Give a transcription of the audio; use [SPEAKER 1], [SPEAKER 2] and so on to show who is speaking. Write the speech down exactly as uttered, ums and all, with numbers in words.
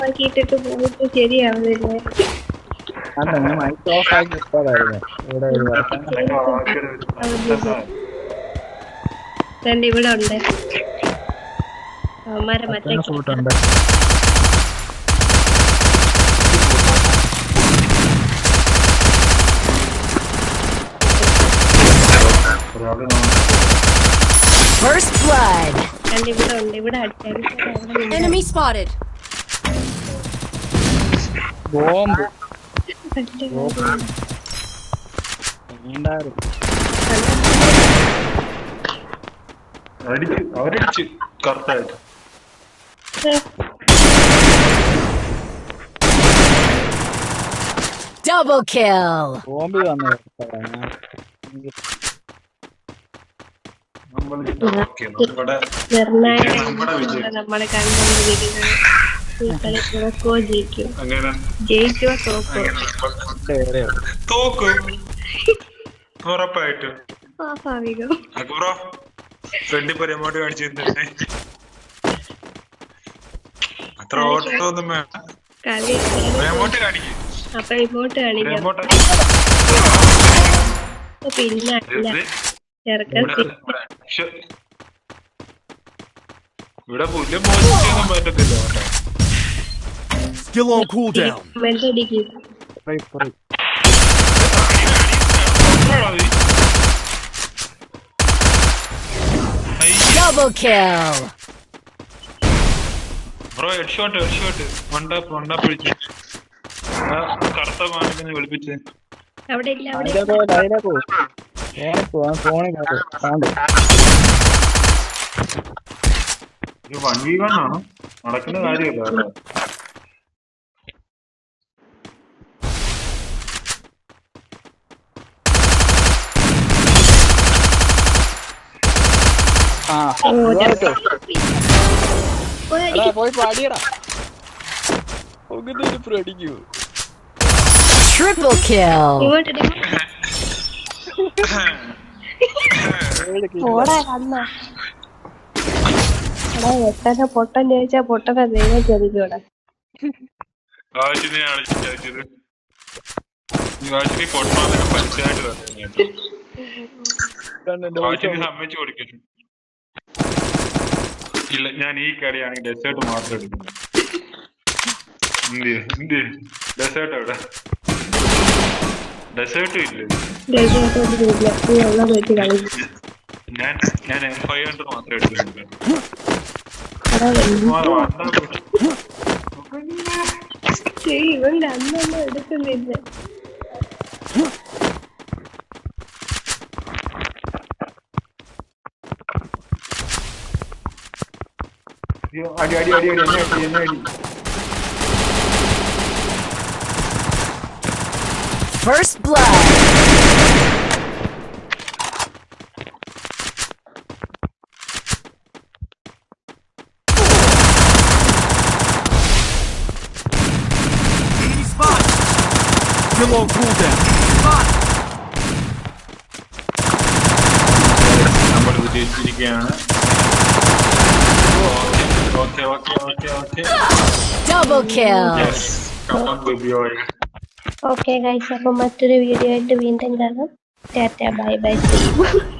[SPEAKER 1] ആക്കിയിട്ടിട്ട് പോയിട്ട് ശരിയാവുന്നില്ലേ?
[SPEAKER 2] അല്ല ഞാൻ മൈക്ക് ഓഫ് ആക്കി ഇട്ടതായിരുന്നു. ഇവിടെ ഒരു
[SPEAKER 1] രണ്ട് ഇവിടെ ഉണ്ട് അവന്മാരെ മറ്റേ
[SPEAKER 2] ഫൂട്ടുണ്ട്.
[SPEAKER 3] First blood.
[SPEAKER 1] രണ്ട് ഇവിടെ ഉണ്ട് ഇവിടെ അടിച്ചാൽ
[SPEAKER 3] Enemy spotted.
[SPEAKER 2] ബോംബ്
[SPEAKER 4] അടിച്ച് അവരടിച്ച് കറക്റ്റായിട്ട്.
[SPEAKER 3] Double kill.
[SPEAKER 2] ബോംബ് വന്നു
[SPEAKER 1] നമ്മളെ കണ്ടുകൊണ്ടിരിക്കുന്നത് തോക്കോ ജയിക്കും ജയിക്കോ തോക്കോ
[SPEAKER 4] തോക്കും ഉറപ്പായിട്ടും.
[SPEAKER 1] സ്വാഭാവികം.
[SPEAKER 4] ഫ്രണ്ടിൽ പോയി എമൗണ്ട് കാണിച്ചിട്ടുണ്ട്. അത്ര ഓട്ടോ ഒന്നും വേണ്ട. എമൗണ്ട് കാണിക്കും.
[SPEAKER 1] അപ്പൊ ഇമോട്ട് കാണിക്കാം. പിന്നെ
[SPEAKER 4] ഇവിടെ പുല്ല് മോശിക്കൊന്നും പറ്റത്തില്ല.
[SPEAKER 5] Still on cooldown.
[SPEAKER 3] Double kill.
[SPEAKER 4] Bro headshot headshot one tap one tap വിളിച്ചു. കറുത്ത മാണിനെ വിളിപ്പിച്ച്
[SPEAKER 1] അവിടെ ഇല്ല അവിടെ
[SPEAKER 4] വൺ വി വൺ ആണോ നടക്കുന്ന കാര്യമല്ല.
[SPEAKER 2] പോയി പാടിയടാ അടിക്കൂ.
[SPEAKER 3] Triple kill.
[SPEAKER 1] എത്ര പൊട്ടൻ ചോദിച്ചാ പൊട്ടനെ ദൈവം ചോദിക്കൂടെ.
[SPEAKER 4] സമ്മതിച്ചു കൊടുക്കുന്നു. ഇല്ല ഞാൻ ഈ കളിയാണെങ്കിൽ ഡെസേർട്ട് മാത്രം എടുക്കുന്നു. ഡെസേർട്ട് എവിടെ? ഡെസേർട്ടും ഇല്ല. ഞാൻ ഞാൻ എം ഫൈവ് ഹൺഡ്രഡ് മാത്രമേ എടുക്കുന്നുള്ളൂ.
[SPEAKER 1] ഇവന്റെ അന്നൊന്നും എടുക്കുന്നില്ല.
[SPEAKER 4] അടി അടി അടി അടി എന്നെ അടി എന്നെ അടി.
[SPEAKER 3] First blood.
[SPEAKER 5] Still on cooldown.
[SPEAKER 4] നമ്മൾ വിജയിച്ചിരിക്കുകയാണ്. Okay okay okay okay.
[SPEAKER 3] Double kill.
[SPEAKER 4] Yes. Come on baby boy.
[SPEAKER 1] Okay guys, അപ്പൊ മറ്റൊരു വീഡിയോ ആയിട്ട് വീണ്ടും കാണാം. Tata bye by.